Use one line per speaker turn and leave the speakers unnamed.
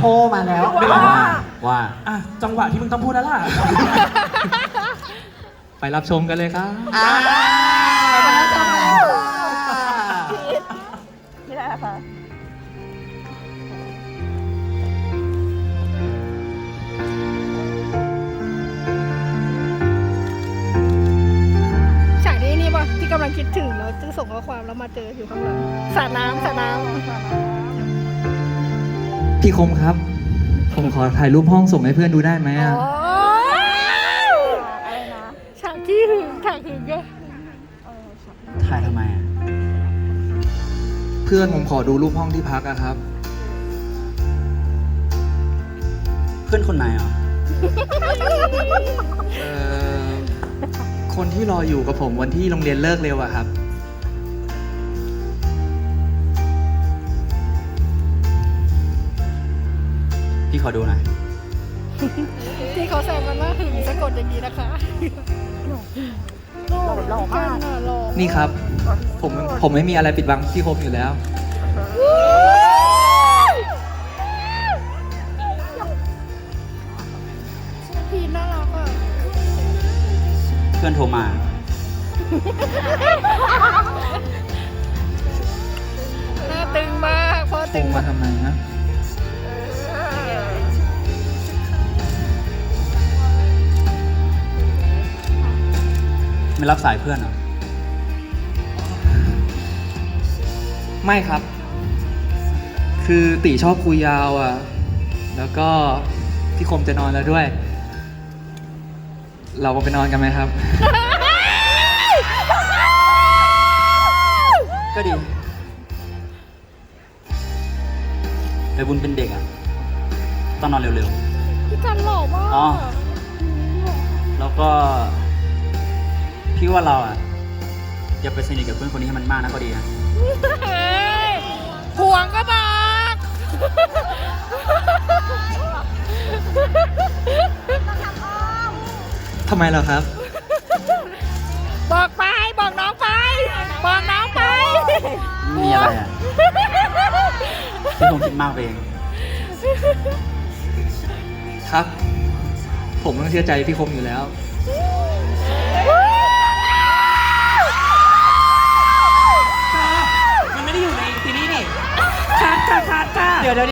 มาแล้ว
ว่า
อ่ะจังหวะที่มึงต้องพูดแล้วล่ะ
ไปรับชมกันเลยครับ
มาแล้วจ้า
ไม่ได้ค่ะฉากนี้นี่ป่ะที่กำลังคิดถึงแล้วจะส่งข้อความแล้วมาเจออยู่ข้างหลังสระน้ำสระน้ำ
พี่คมครับ ผมขอถ่ายรูปห้องส่งให้เพื่อนดูได้ไหมอ่ะ
อะไรนะฉากที่หึงฉากหึงอะ
ถ่ายทำไมอ่ะ
เพื่อนผมขอดูรูปห้องที่พักอะครับ
เพื่อนคนไหนอ่ะ
เอ่อคนที่รออยู่กับผมวันที่โรงเรียนเลิกเร็วอะครับ
พี่ขอดูหน่อย
ที่เขาแซวกันว่าหึงสะกดอย่างนี้นะคะหล่อมากหล่อ
นี่ครับ ผมไม่มีอะไรปิดบังพี่คมอยู่แล้ว
พีน่ารักอ่ะ
เพื่อนโทรมา
หน้าตึงมากเพราะ
ค
ตึ
ง
ง
มาทำไมนะ
ไม่รับสายเพื่อนเหรอ
ไม่ครับ คือตีชอบคุยยาวอ่ะ แล้วก็พี่คมจะนอนแล้วด้วย เราไปนอนกันไหมครับ
ก็ดีไปบุญเป็นเด็กอ่ะ ต้องนอนเร็ว
พี่กันหล่อมาก
อ๋อ ๆ แล้วก็ พี่ว่าเราอ่ะอย่าไปสนิทกับเพื่อนคนนี้ให้มันมากนะก็ดีนะ
เฮ้ยห่วงก็บอก
ทำไมเหรอครับ
บอกไปบอกน้องไปบอกน้องไป
ไม่มีอะไรอ่ะ พี่คงคิดมากไปเอง
ครับ ผมต้องเชื่อใจพี่คมอยู่แล้ว
มันไม่ได้อยู่ในซีรีส์นี่คัดค่ะ
เดี๋ยว